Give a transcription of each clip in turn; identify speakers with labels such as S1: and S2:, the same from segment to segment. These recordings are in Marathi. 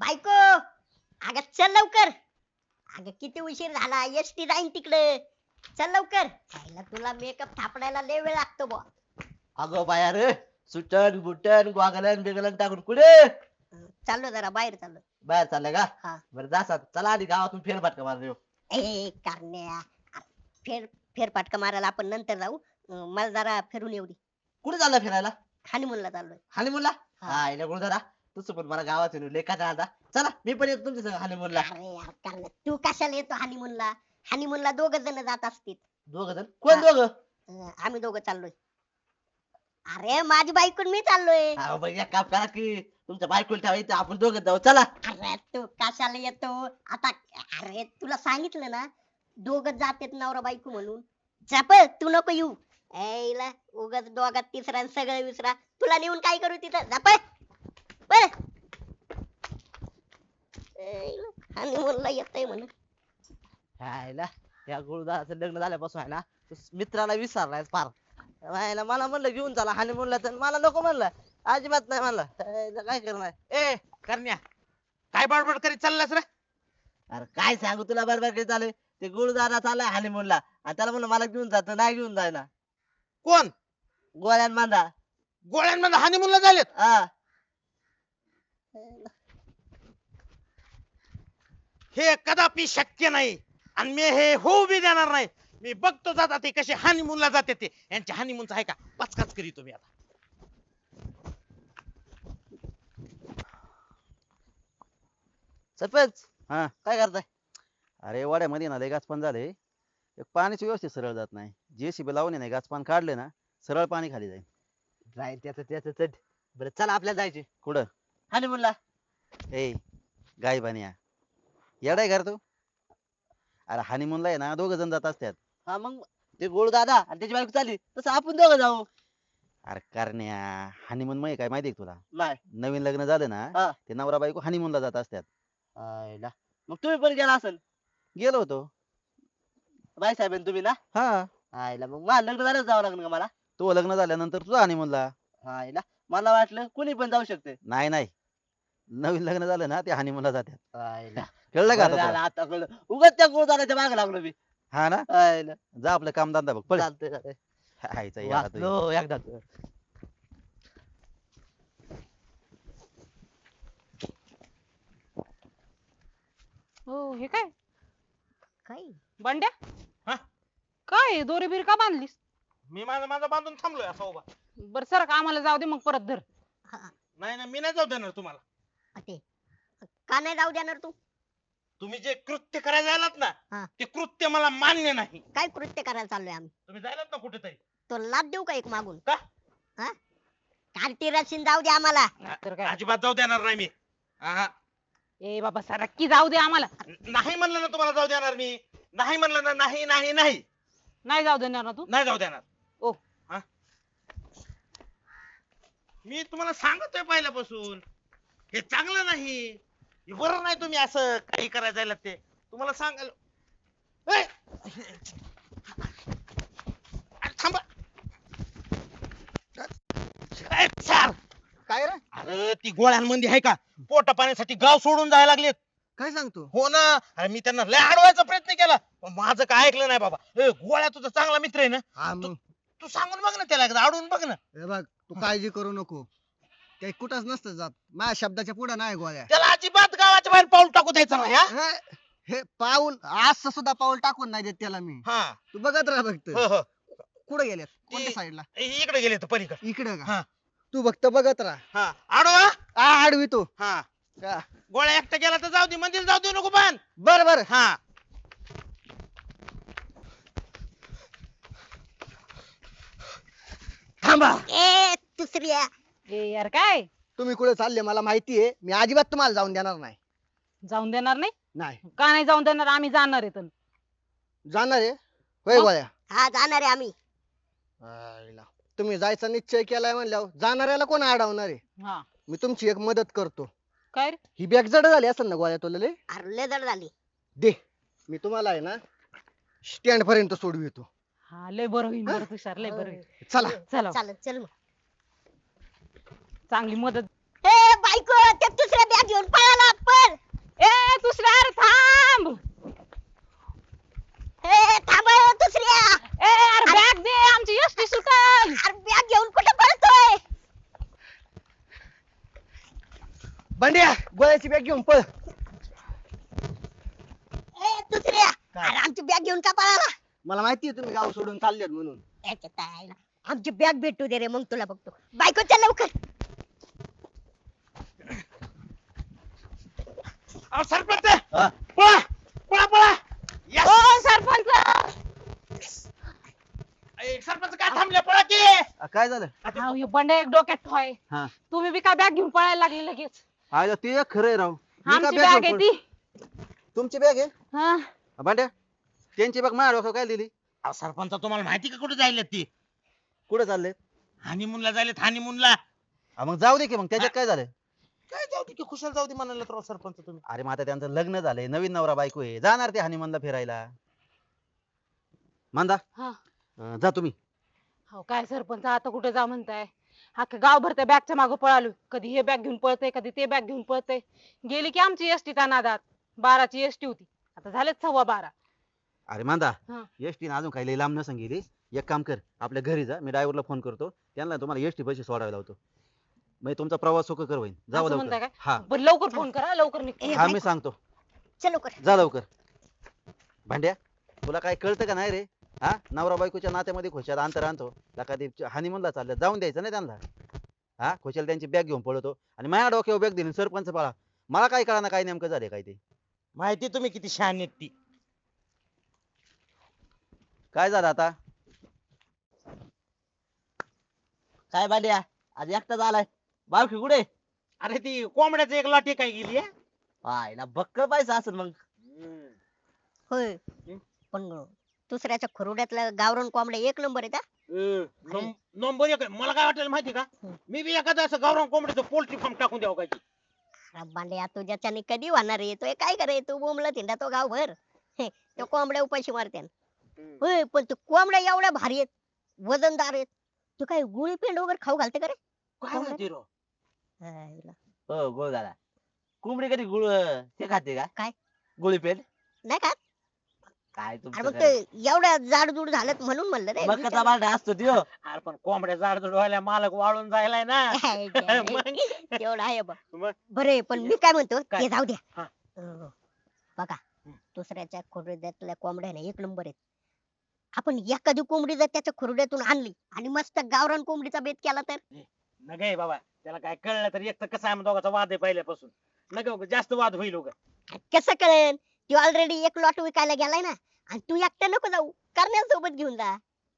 S1: बायको अगं चल लवकर. अगं किती उशीर झाला, एसटी जाईन तिकडे. चल लवकर. आईला तुला मेकअप थापडायला लय वेळ लागतो बुवा.
S2: अगं बाया रे, सुटन बुटन गॉगलन बिगलन टाकून कुठे
S1: चाललो जरा बाहेर चाललो.
S2: बाहेर चाललंय का?
S1: हा.
S2: बरं जा चला आधी गावातून फेरफटका मारून येऊ.
S1: ए करण्या, फेरफटका मारायला आपण नंतर जाऊ. मला जरा फिरून येऊ दे.
S2: कुठे चाललं फिरायला?
S1: हनीमूनला चाललोय.
S2: हनीमूनला?
S1: हा.
S2: हा इला गुरुदारा तसं पण मला गावात येऊन लेखा आता चला मी पण येतो तुमच्या संग हनीमूनला.
S1: अरे यार करण्या, तू कशाला येतो हनीमूनला? हनीमूनला दोघ जण जात असतील.
S2: दोघ जण कोण दोघ?
S1: आम्ही दोघं चाललोय. अरे माझी बायको आणि मी चाललोय.
S2: हा भैया काम करा की तुमच्या बायकोला ठेवा इथे आपण दोघं जाऊ चला.
S1: अरे तू कशाला येतो आता? अरे तुला सांगितलं ना, दोघं जातेत नवरा बायको म्हणून. चप तू नको येऊ. ऐला उगाच दोघात तिसरा आणि सगळं विसरा. तुला नेऊन काय करू तिथं? झप हनीमूनला येतय म्हणून.
S2: हायला या गुरुदाराचं लग्न झाल्यापासून आहे ना तो मित्राला विसरलाय फार. हायला मला म्हणलं घेऊन चला हनीमूनला तर मला नको म्हणलं. अजिबात नाही म्हणलं. हायला काय करणार?
S3: ए करण्या, काय बडबड करीत चाललास रे?
S2: अरे काय सांगू तुला बरोबर काय चालू ते गुरुदारा चाललाय हनीमूनला आणि त्याला म्हणलं मला घेऊन जात नाही घेऊन जायला.
S3: कोण?
S2: गोळ्यान मांदा.
S3: गोळ्यांमध्ये हनीमूनला झालेत?
S2: हा
S3: हे कदापि शक्य नाही आणि मी हे होऊ बी देणार नाही. मी बघतो जाता ते कसे हनीमूनला जाते ते. यांच्या हनीमूनचा आहे का पचकाच करीतो मी आता.
S2: सरपंच
S4: हा.
S2: काय करताय?
S4: अरे वाड्यामध्ये ना लय गाचपान झाले. एक पाण्याची व्यवस्थित सरळ जात नाही. जेसीबी लावून नाही गाचपान काढले ना सरळ पाणी खाली जाईल.
S2: जाईल त्याचं त्याचं चट. बरं चला आपल्याला जायचे
S4: कुठं?
S2: हनीमूनला.
S4: ए गाय बानिया येडाय घर तू. अरे हनीमूनला आहे ना दोघ जण जात असतात.
S2: हा मग ते गुरुदादा आणि त्याची बायको चालली तसं आपण दोघं जाऊ.
S4: अरे करण्या हनीमून मध्ये काय माहितीये का तुला?
S2: नाही.
S4: नवीन लग्न झालं
S2: हा.
S4: ना ते नवरा बायको हनीमूनला जात असतात.
S2: आयला. मग तुम्ही पण गेला असेल
S4: गेलो होतो.
S2: बाई साहेब तुम्ही ना?
S4: हा.
S2: आयला मग मला लग्न झालं जावं लागलं का मला?
S4: तो लग्न झाल्यानंतर तुझा हनीमूनला.
S2: आयला मला वाटलं कुणी पण जाऊ शकते.
S4: नाही नाही नवीन लग्न झालं ना ते हनीमूनला जातात.
S2: आयला.
S4: कळलं का
S2: बरं
S4: आता
S2: झालं,
S4: तुला?
S2: आता कळलं. उगाच त्या गुरुदाराच्या मागे लागलो मी.
S4: हा ना
S2: आयला.
S4: जा आपलं काम धंदा बघ पळ.
S2: चालतंय चालतंय.
S4: हायचा याला तुझी.
S2: वाचलो एकदा.
S5: हो हे काय
S1: काय
S5: बंड्या?
S3: हा?
S5: काय दोरी बीर का बांधलीस?
S3: मी माझा माझा बांधून थांबलोय असा उभा.
S5: बर सर का आम्हाला जाऊ दे मग परत धर.
S3: नाही ना मी नाही जाऊ देणार तुम्हाला.
S1: ते का नाही जाऊ देणार तू?
S3: तुम्ही जे कृत्य करायला जायलात
S1: हा.
S3: ना ते कृत्य मला मान्य नाही.
S1: काय कृत्य करायला चाललोय आम्ही?
S3: तुम्ही जायलात ना कुठेतरी.
S1: तो लाभ देऊ का एक मागून?
S3: का?
S1: हा? कार्टी रशीन जाऊ दे आम्हाला.
S5: तर काय
S3: अजिबात जाऊ देणार नाही मी. आहा.
S5: ए बाबा सरक्की जाऊ दे आम्हाला.
S3: नाही म्हणलं ना तुम्हाला जाऊ देणार मी. नाही म्हणलं ना नाही नाही नाही
S5: नाही जाऊ देणार ना तू?
S3: नाही जाऊ देणार.
S5: ओ
S3: हा? मी तुम्हाला सांगतोय पहिल्यापासून हे चांगलं नाही. हे बरं नाही तुम्ही असं काही करायला जायला ते तुम्हाला सांगायला. ए! अरे थांबा. ए, सर!
S6: काय रे?
S3: अरे ती गोळ्यांमध्ये आहे का पोटा पाण्यासाठी गाव सोडून जायला लागलेत.
S6: काय सांगतो?
S3: हो ना. अरे मी त्यांना लय अडवायचा प्रयत्न केला पण माझं काय ऐकलं नाही बाबा. ए गोळ्या तुझा चांगला मित्र आहे ना.
S6: हा मग
S3: तू सांगून बघ ना त्याला एकदा अडवून बघ ना.
S6: हे बघ तू काळजी करू नको. काही कुठंच नसतं जात. माझ्या शब्दाच्या पुढे नाही गोळ्या.
S3: त्याला अजिबात गावाच्या बाहेर पाऊल टाकू द्यायचं नाही हा.
S6: हे पाऊल असं सुद्धा पाऊल टाकून नाही देत त्याला मी.
S3: हा.
S6: तू बघत राहा फक्त.
S3: हो हो.
S6: कुठे गेल्यात? कोणत्या साईडला?
S3: इकडे गेले तर पलीकडे.
S6: इकडे
S3: हा.
S6: का? तू फक्त बघत राहा.
S3: हा अडवा.
S6: आडवी तू.
S3: हा
S6: का?
S3: गोळ्या एकटा गेला तर जाऊ दे मंदिर जाऊ दे नको पण.
S6: बर बर.
S3: हा.
S6: थांबा.
S1: ए दुसऱ्या
S5: ए यार काय
S6: तुम्ही कुठे चालले मला माहिती आहे. मी अजिबात तुम्हाला जाऊन देणार नाही.
S5: जाऊन देणार नाही?
S6: नाही
S5: का नाही जाऊन देणार? आम्ही जाणार आहे.
S6: जाणार आहे होय
S5: मग?
S6: गोळ्या?
S1: हा जाणार आहे आम्ही.
S6: आईला. तुम्ही जायचा निश्चय केलाय म्हणल्यावर जाणाऱ्याला कोण अडवणार आहे?
S5: हा
S6: मी तुमची एक मदत करतो.
S5: काय रे?
S6: ही बॅग जड झाली असेल ना गोळ्या तुला लय?
S1: अरे लय जड झाली.
S6: दे मी तुम्हाला आहे ना स्टँड पर्यंत सोडवितो.
S5: हा लय बरं होईल. बरं तुषार लय बरं होईल.
S6: चला.
S5: चला
S1: चालेल चल मग.
S5: चांगली मदत.
S1: ए बायको त्या दुसऱ्या बॅग घेऊन पळाला पळ.
S6: बंड्या गोळ्याची बॅग घेऊन पळ.
S1: ए दुसऱ्या, अरे आमची बॅग घेऊन का पळाला?
S6: मला माहितीये तुम्ही गाव सोडून चाललेत म्हणून.
S1: याच्या ताईला. आमची बॅग भेटू दे रे, मग तुला बघतो. बायको चल लवकर.
S3: अहो सरपंच
S4: हा?
S3: पळा पळा पळा Yes!
S5: ओ सरपंच
S3: सरपंच काय थांबले पळा की
S4: काय झालं?
S5: अहो, हे बंड्या एक डोक्यात ठोय.
S4: हा
S5: तुम्ही बी काय बॅग घेऊन पळायला लागले लगेच.
S4: आयला ते एक खरंय राव. मी का
S5: आमची
S4: bag
S5: बॅग
S4: घेऊन
S5: आहे
S4: पळ-
S5: ती.
S4: तुमची बॅग आहे
S5: हा
S4: भांड्या? त्यांची बॅग माझ्या डोक्यावर काय दिली?
S3: अहो सरपंच तुम्हाला माहिती का कुठे जायला ती
S4: कुठे चालले?
S3: हनीमूनला जायलेत हनीमूनला
S4: मग जाऊ दे की, मग त्याच्यात काय झालं?
S3: काय जाऊ दे की खुशाल जाऊ दे म्हणाला तर सरपंच तुम्ही
S4: अरे मग आता त्यांचं लग्न झालंय, नवीन नवरा बायको आहे, जाणार ते हनीमूनला फिरायला. मांदा
S5: हा
S4: जा तुम्ही.
S5: हो काय सरपंच आता कुठे जा म्हणताय? अख्खं गावभर त्या बॅगच्या मागं पळालो. कधी हे बॅग घेऊन पळतय, कधी ते बॅग घेऊन पळतय. गेली की आमची एसटी त्या नादात. 12ची एसटी होती, आता झालेत 12:15.
S4: अरे मांदा
S5: हा.
S4: एसटी अजून काही लय लांब नसन गेली. एक काम कर, आपल्या घरी जा, मी ड्रायव्हरला फोन करतो, त्यांना तुम्हाला एसटी पैसे सोडायला लावतो. मग तुमचा प्रवास सुखकर होईल. जाऊ
S5: असं म्हणताय
S4: लवकर.
S5: काय?
S4: हा
S5: बरं लवकर फोन करा, लवकर निघतो.
S1: ए,
S4: हा मी
S1: बायको.
S4: सांगतो.
S1: चल लवकर.
S4: जा लवकर. भांड्या तुला काय कळतं का नाही रे? हा नवरा बायकोच्या नात्यामध्ये खुशाल अंतर आणतो. लका ते हनीमूनला चाललं, जाऊन द्यायचं नाही त्यांना. हा खुशाल त्यांची बॅग घेऊन पळतो आणि माझ्या डोक्यावर बॅग दिली सरपंच पाळा. मला काय कळणार काय नेमकं झाले काय ते.
S3: माहिती तुम्ही किती शहाणी आहेत ती
S4: काय झालं आता?
S2: काय बाल्या आज एकटाच आलाय? बारकी कुठे?
S3: अरे ती कोंबड्याचं एक लाठी काय गेली
S2: आयला बक्कळ पैसा असेल मग.
S1: होय. पण दुसऱ्याच्या खरुड्यातलं गावरान कोंबड्या एक नंबर आहे का?
S3: नंबर एक आहे. मला काय वाटेल माहिती का मी बी एखादं असं गावरान कोंबड्याचं पोल्ट्री फार्म टाकून द्यावं काय
S1: बांड्या तुझ्याच्याने कधी होणार आहे? तो काय करे, तू बोंबला थिंडा तो गावभर. तो कोंबड्या उपाशी मारत्यान. होय पण तू कोंबड्या एवढ्या भारी आहेत, वजनदार आहेत. तू काय गुळी पेंड वगैरे खाऊ घालते का रे?
S3: काय माहिती राव
S1: हायला.
S2: हो गोळ झाला. कोंबडी कधी गुळ ते खाते का?
S1: काय?
S2: गुळीपेंड?
S1: नाही का?
S2: काय
S1: अरे
S2: तुमचं
S1: मग
S2: खरं.
S1: ते एवढ्या जाडजूड झालेत म्हणून म्हणलं रे.
S2: मग कसा बारडा असतो त्यो?
S3: अरे पण कोंबड्या जाडजूड व्हायला मालक वाळून जायलाय ना मग?
S1: तेवढं आहे बा.
S3: मग?
S1: बरे पण मी काय म्हणतो
S3: काय?
S1: ते जाऊ द्या.
S3: हा.
S1: बघा दुसऱ्याच्या खुर्ड्यातल्या कोंबड्या ना एक नंबर आहेत. आपण एखादी कोंबडी जर त्याच्या खुर्ड्यातून आणली आणि मस्त गावरान कोंबडीचा बेत केला तर
S3: नगे बाबा त्याला काय कळलं तर एक तर कसं आहे दोघांचा वाद आहे पहिल्यापासून नगे उगा, जास्त वाद होईल उगा.
S1: कसं कळेल? तू ऑलरेडी एक लॉट विकायला गेलाय ना, आणि तू एकटा नको जाऊ, कर्नल सोबत घेऊन जा.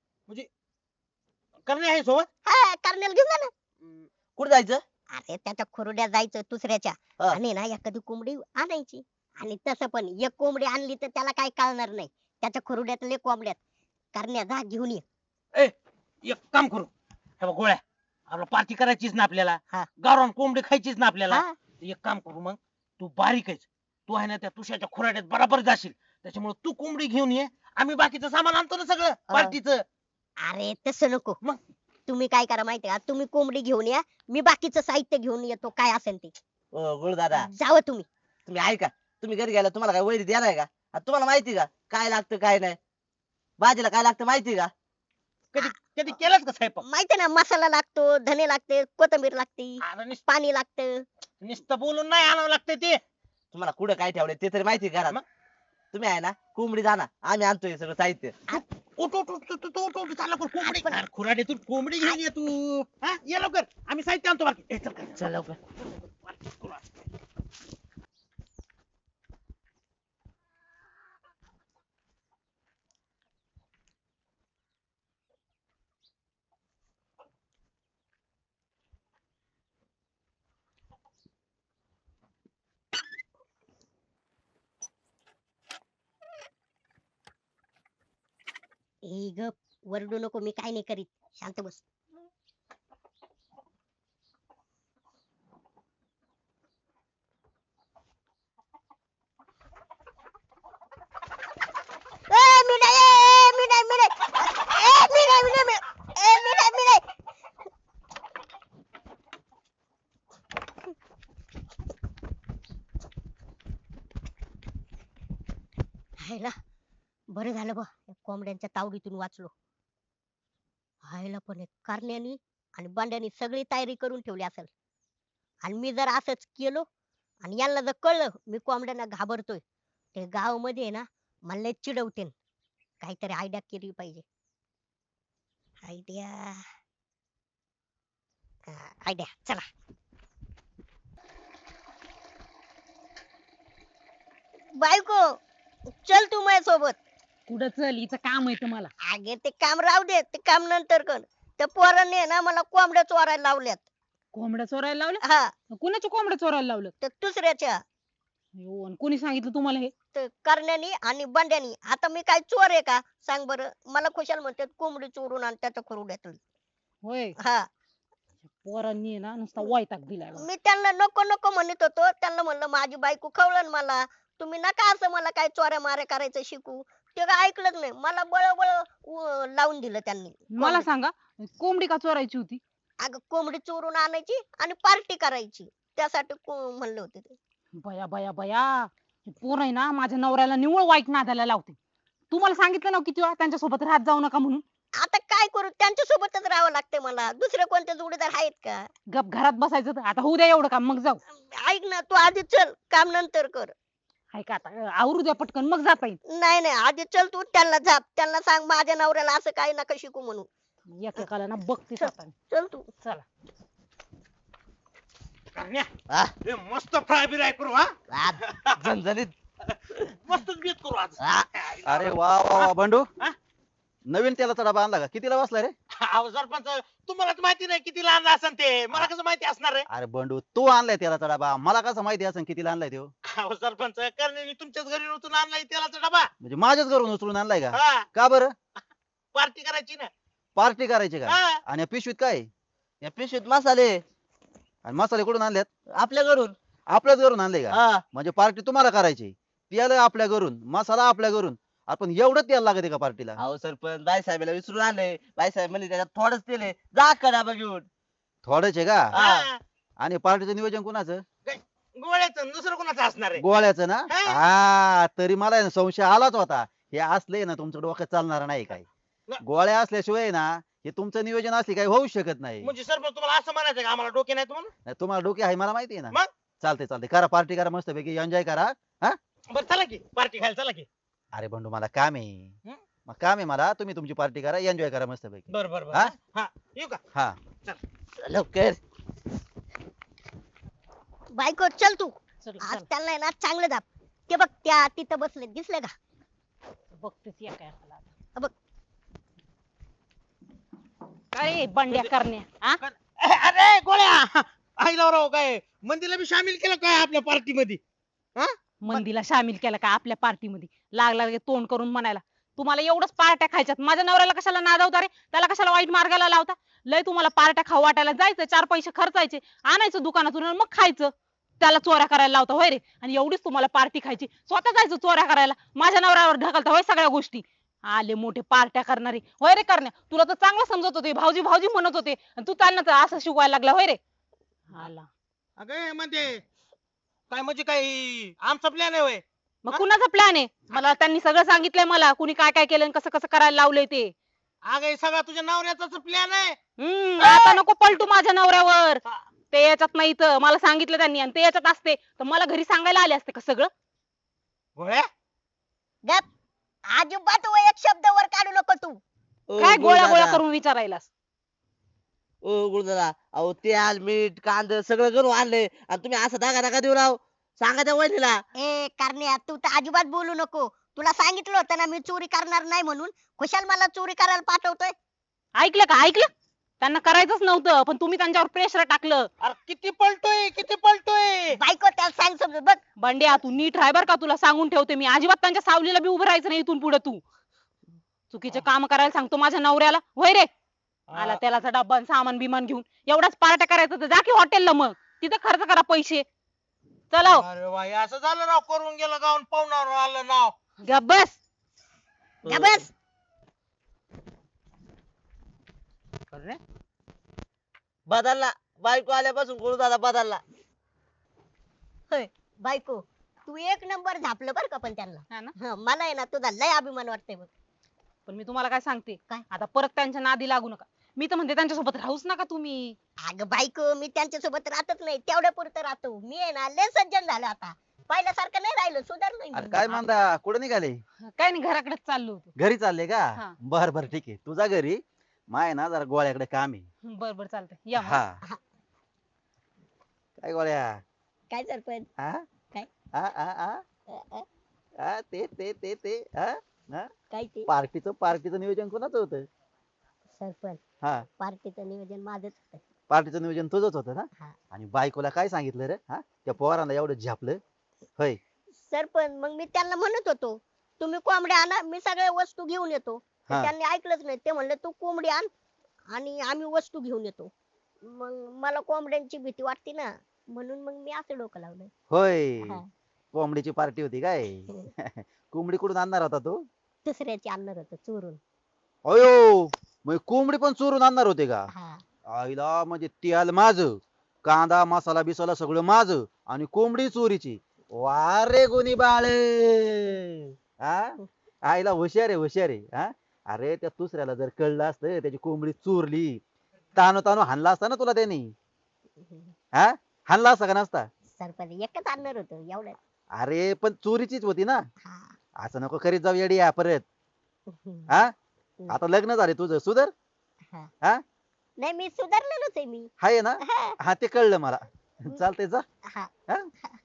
S3: करणे आहे सोबत
S1: हा कर्नल घेऊन जा ना.
S2: कुठे जायचं?
S1: अरे त्याच्या खुर्ड्यात जायचं दुसऱ्याच्या
S2: हा.
S1: आणि ना एखादी कोंबडी आणायची. आणि तसं पण एक कोंबडी आणली तर त्याला काय कळणार नाही. त्याच्या खुर्ड्यातले कोंबड्यात करण्या जा घेऊन ये.
S3: एक काम करू हे बघ गोळ्या आपला पार्टी करायचीच ना आपल्याला
S1: हा.
S3: गावरान कोंबडी खायचीच ना आपल्याला
S1: हा.
S3: एक काम करू मग तू बारीक आहेस तू आहे ना त्या तुषाच्या खुराड्यात बराबर जाशील त्याच्यामुळे तू कोंबडी घेऊन ये आम्ही बाकीचं सामान आणतो ना सगळं पार्टीचं.
S1: अरे तसं नको.
S3: मग?
S1: तुम्ही काय करा माहितीये का, तुम्ही कोंबडी घेऊन या, मी बाकीचं साहित्य घेऊन येतो काय असेल ते.
S2: ओ गुळ दादा
S1: जावं तुम्ही.
S2: तुम्ही ऐका, तुम्ही घरी गेला तुम्हाला काय वैरी देणार आहे का? आता तुम्हाला माहिती का काय लागतं काय नाही? भाजीला काय लागतं माहिती का?
S3: कधी कधी केलंच का स्वयंपाक?
S1: माहितीये ना, मसाला लागतो, धने लागते, कोथिंबीर लागते,
S3: अरे
S1: पाणी लागतं.
S3: नुसतं बोलून नाही आणावं लागतं ते.
S2: तुम्हाला कुठं काय ठेवलंय ते तरी माहिती का?
S3: मग?
S2: तुम्ही आहे ना कोंबडी जाना, आम्ही आणतोय हे सगळं साहित्य.
S3: उठ उठ उठ उठ उठ उठ चालला कोण कोंबडी अरे खुराड्यातून कोंबडी घेऊन ये तू हा ये लवकर आम्ही साहित्य आणतो बाकी ए, चल काय.
S2: चल लवकर.
S1: ए गप, वरडू नको, मी काय नाही करीत, शांत बस. मी नाही, मी नाही, मी नाही, मी नाही, मी नाही, मी नाही, मी नाही. हायला बरं झालं बा, या कोंबड्यांच्या तावडीतून वाचलो. हायला पण कारण्यानी आणि बांड्यानी सगळी तयारी करून ठेवली असेल. आणि मी जर असंच केलो आणि यांना जर कळलं मी कोंबड्यांना घाबरतोय ते गाव मध्ये ना मला लय चिडवतील. काहीतरी आयडिया केली पाहिजे. आयडिया आयडिया चला. बायको चल तू माझ्यासोबत.
S5: कुठं चल, हिचं काम आहे तुम्हाला.
S1: अगे ते काम राहू दे, ते काम नंतर कर. त्या पोरांनी आहे ना मला कोंबड्या चोरायला लावल्यात.
S5: कोंबड्या चोरायला लावल्या?
S1: हा
S5: कुणाच्या कोंबड्या चोरायला लावलं?
S1: तर दुसऱ्याच्या
S5: अयो, आणि कोणी सांगितलं तुम्हाला हे?
S1: तर करण्यानी आणि बंड्यानी. आता मी काय चोर आहे का सांग बरं. मला खुशाल म्हणतात कोंबडी चोरून आणि त्याच्या खरुड्यातली.
S5: होय.
S1: हा
S5: पोरांनी आहे ना नुसता वैताग दिलाय बघा.
S1: मी त्यांना नको नको म्हणत होतो. त्यांना म्हणलं माझी बायको खवळण मला. तुम्ही नका असं मला काय चोऱ्या माऱ्या करायचं शिकू. ते काय ऐकलंच नाही. मला बळबळ लावून दिलं त्यांनी.
S5: मला सांगा, कोंबडी का चोरायची होती?
S1: अगं कोंबडी चोरून आणायची आणि पार्टी करायची त्यासाठी म्हणले होते ते.
S5: बया बया बया, हे पोर आहे ना माझ्या नवऱ्याला निव्वळ वाईट नादाला लावते. तुम्हाला सांगितलं ना किती वेळा त्यांच्या सोबत राहत जाऊ नका म्हणून.
S1: आता काय करू त्यांच्या सोबतच राहावं लागते मला. दुसरे कोणते जोडीदार आहेत का.
S5: गप घरात बसायचं तर. आता होऊ द्या एवढं काम, मग जाऊ.
S1: ऐक ना तू आधी चल काम नंतर कर.
S5: हाय का, आता आवरू द्या पटकन मग जाता येईल.
S1: नाही नाही आधी चल तू त्यांना झाप. त्यांना सांग माझ्या नवऱ्याला असं काही नका शिकू म्हणून.
S5: एकेकाला ना बघते आता.
S1: चल तू.
S5: चला.
S3: करण्या,
S2: हा?
S3: ए, मस्त फ्राय बिराय करू हा.
S2: आ, झणझणीत.
S3: मस्तच बेत करू आज.
S2: हा.
S4: अरे वा वा वा बंडू
S3: हा?
S4: नवीन तेलाचा डबा आणला का? कितीला बसला रे?
S3: अहो सरपंच, तुम्हालाच माहिती नाही किती लहान असन ते. मला कसं माहिती असणार आहे.
S4: अरे बंडू तू आणलाय तेलाचा डबा, मला कसं माहिती असेल कितीला आणलाय तो?
S3: अहो सरपंच, करणे मी तुमच्याच घरी नव्हतं आणलाय तेलाचा डबा.
S4: म्हणजे माझ्याच घरून उचलून आणलाय का?
S3: हा,
S4: का बरं?
S3: पार्टी करायची ना.
S4: पार्टी करायची का?
S3: हा.
S4: आणि या पिशवीत काय आहे?
S2: या पिशवीत मसाले
S4: आणि मसाले कुठून आणल्यात?
S2: आपल्या घरून.
S4: आपल्याच घरून आणले का?
S2: हा.
S4: म्हणजे पार्टी तुम्हाला करायची, तेल आपल्या घरून, मसाला आपल्या घरून. आपण एवढं तेल लागते का पार्टीला?
S2: अहो सरपंच, बाईसाहेबाला विसरून आले. बाईसाहेब म्हणले त्याच्यात थोडंच तेल आहे, जा का डबा घेऊन.
S4: थोडंच आहे का?
S3: हा.
S4: आणि पार्टीचं नियोजन कुणाचं?
S3: गोळ्याचं दुसरं कोणाचं असणार आहे.
S4: गोळ्याचं ना?
S3: हा.
S4: हा तरी मला आहे ना संशय आलाच होता. हे असले ना तुमचं डोक्यात चालणार नाही काय. गोळ्या असल्याशिवाय ना हे तुमचं नियोजन असले काही होऊ शकत नाही.
S3: म्हणजे सरपंच तुम्हाला असं म्हणायचं का आम्हाला डोके नाहीत म्हणून.
S4: नाही, तुम्हाला डोके आहे मला माहिती आहे ना.
S3: मग?
S4: चालते चालते करा पार्टी करा मस्त पैकी एन्जॉय करा. हा
S3: बरं चला की पार्टी खायला चला की.
S4: अरे बंडू मला काम आहे.
S3: हं?
S4: मग काम आहे मला. तुम्ही तुमची पार्टी करा एन्जॉय करा मस्त पैकी.
S3: बरं बरं
S4: हा?
S3: बरं. हा येऊ का.
S4: हा
S2: लवकर.
S1: बायको चल तू.
S5: चल,
S1: आज
S5: चल.
S1: त्यांना आहे ना चांगलं दाब. ते बघ त्या तिथं बसले दिसले का.
S5: बघतेच या काय आता.
S1: बघ.
S5: काय बंड्या करण्या, हा?
S3: अरे गोळ्या, आईला राव काय मंदीला बी सामील केलं काय आपल्या पार्टी मध्ये.
S5: मंदीला सामील केला का आपल्या पार्टी मध्ये? लागला लगे तोंड करून म्हणायला तुम्हाला एवढंच पार्ट्या खायच्यात. माझ्या नवऱ्याला कशाला नादवता रे? त्याला कशाला वाईट मार्गाला लावता? लय तुम्हाला पार्ट्या खाऊ वाटायला जायचं, 4 पैसे खर्चायचे, आणायचं दुकानातून आणि मग खायचं. त्याला चोऱ्या करायला लावता होय रे? आणि एवढीच तुम्हाला पार्टी खायची, स्वतः जायचं चोऱ्या करायला, माझ्या नवऱ्यावर ढकलता होय सगळ्या गोष्टी. आले मोठे पार्ट्या करणारे होय रे करण्या. तुला तर चांगलं समजत होते, भाऊजी भाऊजी म्हणत होते, आणि तू त्यांना तर असं शिकवायला लागला होय रे? आला
S3: अगं म्हणजे काय म्हणजे काय आमचा प्लॅन आहे होय.
S5: मग कुणाचा प्लॅन आहे? मला त्यांनी सगळं सांगितलंय, मला कुणी काय काय केलं आणि कसं कसं करायला लावलंय ते.
S3: अगं हे सगळा तुझ्या नवऱ्याचाच प्लॅन आहे.
S5: आता नको पलटू माझ्या नवऱ्यावर. ते याच्यात नाही तर मला सांगितलं त्यांनी, आणि ते याच्यात असते तर मला घरी सांगायला आले असते का सगळं?
S3: गोळ्या
S1: गप. अजिबात एक शब्द वर काढू नको तू.
S2: ओ,
S5: काय गोळ्या गोळ्या
S2: गुरुदादा.
S5: करून विचारायलास?
S2: ओ गुरुदादा, अहो तेल मीठ कांद सगळं घरून आणलंय आणि तुम्ही असं धागा धागा देऊ राव. सांगा त्या वहिनीला.
S1: ए करण्या तू तर अजिबात बोलू नको. तुला सांगितलं होतं ना मी चोरी करणार नाही म्हणून. खुशाल मला चोरी करायला पाठवतोय.
S5: ऐकलं का? ऐकलं? त्यांना करायचंच नव्हतं, पण तुम्ही त्यांच्यावर प्रेशर टाकलं.
S3: अरे किती पलटोय किती पलटोय.
S1: बायको त्याला सांग समजून बघ.
S5: बंड्या तू नीट राह बर का, तुला सांगून ठेवते मी. अजिबात त्यांच्या सावलीला बी उभं राहायचं नाही इथून पुढे. तू चुकीचे काम करायला सांगतो माझ्या नवऱ्याला होय रे? आला तेलाचा डब्बा आणि सामान बिमान घेऊन. एवढाच पार्ट्या करायचं तर जा की हॉटेलला, मग तिथं खर्च करा पैसे. चला हो.
S3: अरे बाई असं झालं राव. करून गेलं गाऊन पाहुणार आलं नाव.
S5: गप बस.
S1: जा बस.
S2: करण्या? बदलला. बायको आल्यापासून गुरुदादा बदलला.
S1: होय बायको तू एक नंबर झापलं बर का. पण त्यांना
S5: हा ना?
S1: हं, मला आहे ना तुझा लय अभिमान वाटतंय बघ.
S5: पण मी तुम्हाला काय सांगते,
S1: काय?
S5: आता परत त्यांच्या नादी लागू नका. मी तर म्हणते त्यांच्यासोबत राहूच नका तुम्ही.
S1: अगं बायको मी त्यांच्यासोबत राहतच नाही, तेवढ्या पुरतं राहतो. मी आहे ना लय सज्जन झालो आता, पहिल्यासारखं नाही राहिलो, सुधारलोय
S4: अरे
S1: मी.
S4: काय म्हणता कुठे निघाले?
S5: काय नाही, घराकडेच चाललो होतो.
S4: घरी चालले का?
S5: हा.
S4: बर बर ठीक आहे, तुझा घरी माय ना जरा गोळ्याकडे काम आहे.
S5: बर बर चालतंय, या मग.
S4: हा. काय गोळ्या?
S1: काय सरपंच?
S4: हा?
S1: काय?
S4: आ, आ, आ,
S1: अ, अ,
S4: आ, ते हा? हा?
S1: काय ते?
S4: पार्टीचं नियोजन कोणाचं होतं?
S1: सरपंच,
S4: हा,
S1: पार्टीचं नियोजन माझंच होतं.
S4: पार्टीचं नियोजन तुझंच होतं ना?
S1: हा.
S4: आणि बायकोला काय सांगितलं रे? हा, त्या पोरांना एवढं झापलं होय?
S1: सरपंच मग मी त्यांना म्हणत होतो, तुम्ही कोंबड्या आणा, मी सगळ्या वस्तू घेऊन येतो. तर
S4: हा.
S1: त्यांनी ऐकलंच नाही, ते म्हणले तू कोंबडी आण आणि आम्ही वस्तू घेऊन येतो. मग मला कोंबड्यांची भीती वाटते ना, म्हणून मग मी असं डोकं लावलं.
S4: होय,
S1: हा.
S4: कोंबडीची पार्टी होती काय? कोंबडी कुठून आणणार होता तू?
S1: दुसऱ्याची आणणार होतं चोरून.
S4: अयो, मग कोंबडी पण चोरून आणणार होते का?
S1: हा.
S4: आईला म्हणजे तेल माझं, कांदा मसाला बिसाला सगळं माझं आणि कोंबडी चोरीची. वा रे गुणी बाळ, हा, आईला हुशार आहे हुशार आहे. हा, अरे त्या दुसऱ्याला जर कळलं असतं त्याची कोंबडी चोरली, तानो तानो हाणला असता ना तुला त्यांनी. हा, हाणला असता का नसता?
S1: सरपंच एकच आणणार होतं एवढं.
S4: अरे पण चोरीचीच होती ना.
S1: हा.
S4: असं नको करीत जाऊ येडी या परत. हा, आता लग्न झाले तुझं, सुधर.
S1: हा.
S4: हा,
S1: नाही मी सुधारलेलोच आहे मी.
S4: हाय ना?
S1: हा.
S4: हा ते कळलं मला. चालतंय जा.
S1: हा.
S4: हा?